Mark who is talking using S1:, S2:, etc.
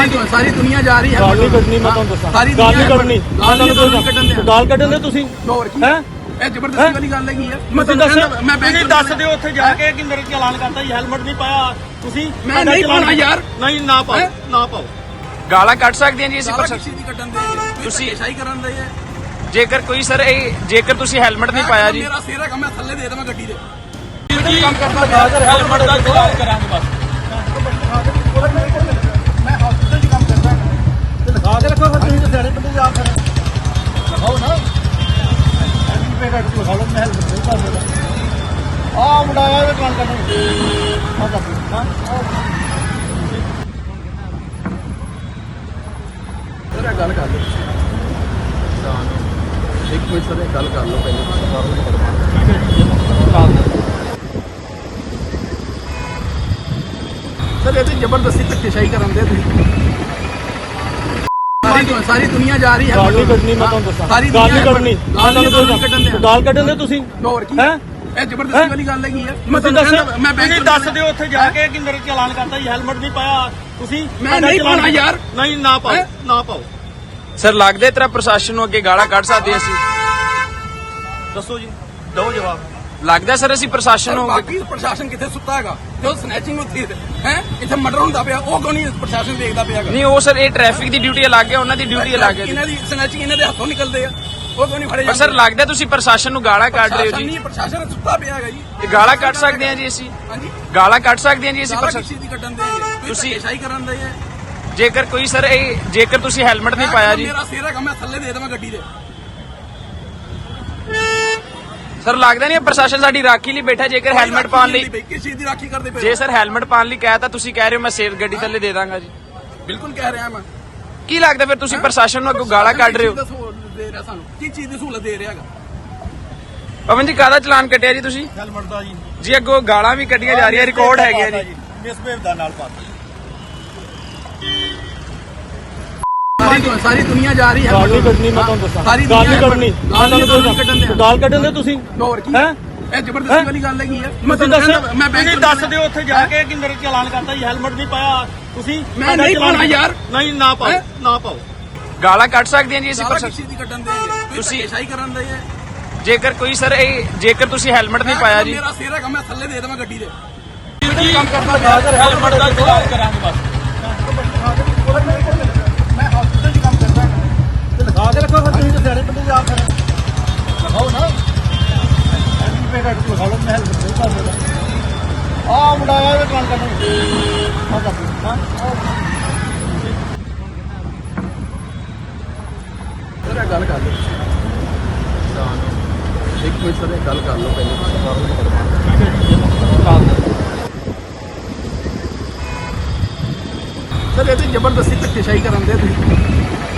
S1: ਸਾਰੀ ਦੁਨੀਆ ਜਾ ਰਹੀ ਹੈ।
S2: ਗਾਲ ਨਹੀਂ ਕੱਢਣੀ, ਮੈਂ ਤੁਹਾਨੂੰ ਦੱਸਾਂ।
S1: ਸਾਰੀ
S2: ਗਾਲ ਨਹੀਂ
S1: ਦੁਨੀਆ
S2: ਕੱਢਣੀ, ਗਾਲ ਕੱਢਣ ਦੇ ਤੁਸੀਂ।
S1: ਹੋਰ ਕੀ
S2: ਹੈ
S1: ਇਹ ਜ਼ਬਰਦਸਤੀ ਵਾਲੀ ਗੱਲ ਹੈਗੀ ਹੈ।
S2: ਮੈਂ ਤੁਹਾਨੂੰ ਦੱਸ,
S1: ਮੈਂ
S2: ਤੁਸੀਂ ਦੱਸ ਦਿਓ ਉੱਥੇ ਜਾ ਕੇ ਕਿ ਮੇਰੇ ਚਲਾਨ ਕਰਤਾ ਜੀ, ਹੈਲਮਟ ਨਹੀਂ ਪਾਇਆ ਤੁਸੀਂ।
S1: ਮੈਂ ਨਹੀਂ ਪਾਉਣਾ ਯਾਰ।
S2: ਨਹੀਂ, ਨਾ ਪਾਓ, ਨਾ ਪਾਓ।
S3: ਗਾਲਾਂ ਕੱਢ ਸਕਦੇ ਹਾਂ ਜੀ ਅਸੀਂ
S1: ਕਿਸੇ ਦੀ ਕੱਢਣ ਦੇ
S3: ਤੁਸੀਂ
S1: ਸ਼ਾਈ ਕਰਨ ਦੇ ਹੈ।
S3: ਜੇਕਰ ਕੋਈ ਸਰ ਜੇਕਰ ਤੁਸੀਂ ਹੈਲਮਟ ਨਹੀਂ ਪਾਇਆ ਜੀ,
S1: ਮੇਰਾ ਸਿਰ ਹੈਗਾ, ਮੈਂ ਥੱਲੇ ਦੇ ਦੇਵਾਂ ਗੱਡੀ ਦੇ।
S2: ਕੰਮ ਕਰਦਾ ਹੈਲਮਟ ਦਾ ਚਲਾਨ ਕਰਾਂਗੇ ਬਸ।
S1: ਮੈਂ ਹਸਪੀਟਲ 'ਚ ਕੰਮ ਕਰਦਾ
S2: ਤੇ ਲਿਖਾ ਕੇ ਰੱਖੋ ਫਿਰ, ਤੁਸੀਂ ਤਾਂ ਸਿਆਣੇ ਬੰਦੇ ਜਾ ਫਿਰ ਲਿਖਾਓ ਨਾ। ਐਂਟੀ ਕੱਟ ਲਿਖਾ ਲਓ, ਮੈਂ ਹੈਲਮਟ ਨਹੀਂ ਪਾ ਸਕਦਾ। ਆਹ ਮੁੰਡਾ ਆਇਆ ਇਹ ਚਲਾਨ ਕਰਨਾ। ਆਹ ਕਰ ਹਾਂ
S1: ਸਰ ਗੱਲ ਕਰ ਲਓ। ਇੱਕ ਮਿੰਟ ਸਰ ਗੱਲ ਕਰ ਲਓ ਪਹਿਲੇ। ਸਰ ਇਹ ਤੇ ਜ਼ਬਰਦਸਤੀ ਧੱਕੇਸ਼ਾਹੀ ਕਰਨ ਦੇ ਤੁਸੀਂ। ਸਾਰੀ ਦੁਨੀਆ ਜਾ ਰਹੀ ਹੈ।
S2: ਗਾਲ ਨਹੀਂ ਕੱਢਣੀ, ਮੈਂ ਤੁਹਾਨੂੰ ਦੱਸਾਂ।
S1: ਸਾਰੀ
S2: ਗਾਲ ਨਹੀਂ ਕੱਢਣੀ, ਗਾਲ ਕੱਢਣ ਦੇ ਤੁਸੀਂ।
S1: ਹੋਰ ਕੀ
S2: ਹੈ
S1: ਇਹ ਜ਼ਬਰਦਸਤੀ ਵਾਲੀ ਗੱਲ ਹੈਗੀ ਹੈ।
S2: ਮੈਂ ਤੁਹਾਨੂੰ ਦੱਸ,
S1: ਮੈਂ
S2: ਤੁਸੀਂ ਦੱਸ ਦਿਓ ਉੱਥੇ ਜਾ ਕੇ ਕਿ ਮੇਰੇ ਚਲਾਨ ਕਰਤਾ ਜੀ, ਹੈਲਮਟ ਨਹੀਂ ਪਾਇਆ ਤੁਸੀਂ।
S1: ਮੈਂ ਨਹੀਂ ਪਾਉਣਾ ਯਾਰ।
S2: ਨਹੀਂ, ਨਾ ਪਾਓ, ਨਾ ਪਾਓ।
S3: ਸਰ ਲੱਗਦਾ ਤੇਰਾ ਪ੍ਰਸ਼ਾਸਨ ਨੂੰ ਅੱਗੇ ਗਾਲਾਂ ਕੱਢ ਸਕਦੇ ਅਸੀਂ।
S2: ਦੱਸੋ ਜੀ, ਦਿਓ ਜਵਾਬ।
S3: ਲੱਗਦਾ ਸਰ ਅਸੀਂ ਪ੍ਰਸ਼ਾਸਨ ਨੂੰ
S1: ਬਾਕੀ ਪ੍ਰਸ਼ਾਸਨ ਕਿੱਥੇ ਸੁੱਤਾ ਹੈਗਾ? ਜੋ ਸਨੈਚਿੰਗ ਹੁੰਦੀ ਹੈ ਇੱਥੇ ਮਰਡਰ ਹੁੰਦਾ ਪਿਆ, ਉਹ ਕਿਉਂ ਨਹੀਂ ਪ੍ਰਸ਼ਾਸਨ ਦੇਖਦਾ ਪਿਆ ਹੈਗਾ?
S3: ਨਹੀਂ, ਉਹ ਸਰ ਇਹ ਟ੍ਰੈਫਿਕ ਦੀ ਡਿਊਟੀ ਅਲੱਗ ਹੈ, ਉਹਨਾਂ ਦੀ ਡਿਊਟੀ ਅਲੱਗ ਹੈ।
S1: ਇਹਨਾਂ ਦੀ ਸਨੈਚਿੰਗ ਇਹਨਾਂ ਦੇ ਹੱਥੋਂ ਨਿਕਲਦੇ ਆ, ਉਹ ਕਿਉਂ ਨਹੀਂ ਫੜੇ
S3: ਪਰ ਸਰ ਲੱਗਦਾ ਤੁਸੀਂ ਪ੍ਰਸ਼ਾਸਨ ਨੂੰ ਗਾਲਾਂ ਕੱਢ ਰਹੇ ਹੋ ਜੀ।
S1: ਨਹੀਂ, ਪ੍ਰਸ਼ਾਸਨ ਸੁੱਤਾ ਪਿਆ ਹੈਗਾ ਜੀ।
S3: ਤੇ ਗਾਲਾਂ ਕੱਢ ਸਕਦੇ ਹਾਂ ਜੀ ਅਸੀਂ।
S1: ਹਾਂਜੀ,
S3: ਗਾਲਾਂ ਕੱਢ ਸਕਦੇ ਹਾਂ ਜੀ ਅਸੀਂ
S1: ਸਾਰਾ ਕਿਸੇ ਦੀ ਕੱਢਣ ਦੇ
S3: ਤੁਸੀਂ
S1: ਧੱਕੇਸ਼ਾਹੀ ਕਰਨ ਦੇ ਹੈ।
S3: ਜੇਕਰ ਕੋਈ ਸਰ ਜੇਕਰ ਤੁਸੀਂ ਹੈਲਮਟ ਨਹੀਂ ਪਾਇਆ ਜੀ,
S1: ਮੇਰਾ ਸਿਰ ਹੈਗਾ, ਮੈਂ ਥੱਲੇ ਦੇ ਦੇਵਾਂ ਗੱਡੀ ਦੇ।
S3: ਸਰ ਲੱਗਦਾ ਨਹੀਂ ਪ੍ਰਸ਼ਾਸਨ ਸਾਡੀ ਰਾਖੀ ਲਈ ਬੈਠਾ। ਜੇਕਰ ਹੈਲਮਟ ਪਾਉਣ ਲਈ,
S1: ਕਿਸ ਚੀਜ਼ ਦੀ ਰਾਖੀ ਕਰਦੇ ਪਏ?
S3: ਜੇ ਸਰ ਹੈਲਮਟ ਪਾਉਣ ਲਈ ਕਹਿ ਤਾਂ ਤੁਸੀਂ ਕਹਿ ਰਹੇ ਹੋ ਮੈਂ ਸੇਫ ਗੱਡੀ ਥੱਲੇ ਦੇ ਦਾਂਗਾ ਜੀ।
S1: ਬਿਲਕੁਲ ਕਹਿ ਰਿਹਾ ਮੈਂ।
S3: ਕੀ ਲੱਗਦਾ ਫਿਰ ਤੁਸੀਂ ਪ੍ਰਸ਼ਾਸਨ ਨੂੰ ਅੱਗੋਂ ਗਾਲਾਂ ਕੱਢ ਰਹੇ ਹੋ?
S1: ਦੇ ਰਿਹਾ ਸਾਨੂੰ ਕੀ ਚੀਜ਼ ਦੀ ਸਹੂਲਤ ਦੇ ਰਿਹਾ ਹੈਗਾ?
S3: ਪਵਨ ਜੀ ਕਾਹਦਾ ਚਲਾਨ ਕੱਟਿਆ ਜੀ ਤੁਸੀਂ?
S2: ਹੈਲਮਟ ਦਾ ਜੀ।
S3: ਜੀ ਅੱਗੋਂ ਗਾਲਾਂ ਵੀ ਕੱਢੀਆਂ ਜਾ ਰਹੀਆਂ, ਰਿਕਾਰਡ ਹੈਗੇ ਜੀ।
S2: ਮਿਸਬਿਹੇਵ ਦਾ ਨਾਲ ਪਾਤਾ।
S1: ਸਾਰੀ ਦੁਨੀਆ ਜਾ ਰਹੀ ਹੈ।
S2: ਗਾਲ ਨਹੀਂ ਕੱਢਣੀ, ਮੈਂ ਤੁਹਾਨੂੰ ਦੱਸਾਂ।
S1: ਸਾਰੀ
S2: ਗਾਲ ਨਹੀਂ
S1: ਦੁਨੀਆ
S2: ਕੱਢਣੀ, ਗਾਲ ਕੱਢਣ ਦੇ ਤੁਸੀਂ।
S1: ਹੋਰ ਕੀ
S2: ਹੈ
S1: ਇਹ ਜ਼ਬਰਦਸਤੀ ਵਾਲੀ ਗੱਲ ਹੈਗੀ ਹੈ।
S2: ਮੈਂ ਤੁਹਾਨੂੰ ਦੱਸ,
S1: ਮੈਂ
S2: ਤੁਸੀਂ ਦੱਸ ਦਿਓ ਉੱਥੇ ਜਾ ਕੇ ਕਿ ਮੇਰੇ ਚਲਾਨ ਕਰਤਾ ਜੀ, ਹੈਲਮਟ ਨਹੀਂ ਪਾਇਆ ਤੁਸੀਂ।
S1: ਮੈਂ ਨਹੀਂ ਪਾਉਣਾ ਯਾਰ।
S2: ਨਹੀਂ, ਨਾ ਪਾਓ, ਨਾ ਪਾਓ।
S3: ਗਾਲਾਂ ਕੱਢ ਸਕਦੇ ਹਾਂ ਜੀ ਅਸੀਂ
S1: ਸਾਰਾ ਕਿਸੇ ਦੀ ਕੱਢਣ ਦੇ
S3: ਤੁਸੀਂ
S1: ਧੱਕੇਸ਼ਾਹੀ ਕਰਨ ਦੇ ਹੈ।
S3: ਜੇਕਰ ਕੋਈ ਸਰ ਜੇਕਰ ਤੁਸੀਂ ਹੈਲਮਟ ਨਹੀਂ ਪਾਇਆ ਜੀ,
S1: ਮੇਰਾ ਸਿਰ ਹੈਗਾ, ਮੈਂ ਥੱਲੇ ਦੇ ਦੇਵਾਂ ਗੱਡੀ ਦੇ।
S2: ਕੰਮ ਕਰਦਾ ਹੈਲਮਟ ਦਾ ਚਲਾਨ ਕਰਾਂਗੇ ਬਸ।
S1: ਮੈਂ ਹਸਪੀਟਲ 'ਚ ਕੰਮ ਕਰਦਾ
S2: ਤੇ ਲਿਖਾ ਕੇ ਰੱਖੋ ਫਿਰ, ਤੁਸੀਂ ਤਾਂ ਸਿਆਣੇ ਬੰਦੇ ਜਾ ਫਿਰ ਲਿਖਾਓ ਨਾ। ਐਂਟੀ ਕੱਟ ਲਿਖਾ ਲਓ, ਮੈਂ ਹੈਲਮਟ ਨਹੀਂ ਪਾ ਸਕਦਾ। ਆਹ ਮੁੰਡਾ ਆਇਆ ਇਹ ਚਲਾਨ ਕਰਨਾ। ਆਹ ਕਰ ਹਾਂ
S1: ਸਰ ਗੱਲ ਕਰ ਲਓ। ਇੱਕ ਮਿੰਟ ਸਰ ਗੱਲ ਕਰ ਲਓ ਪਹਿਲੇ। ਸਰ ਇਹ ਤੇ ਜ਼ਬਰਦਸਤੀ ਧੱਕੇਸ਼ਾਹੀ ਕਰਨ ਦੇ ਤੁਸੀਂ।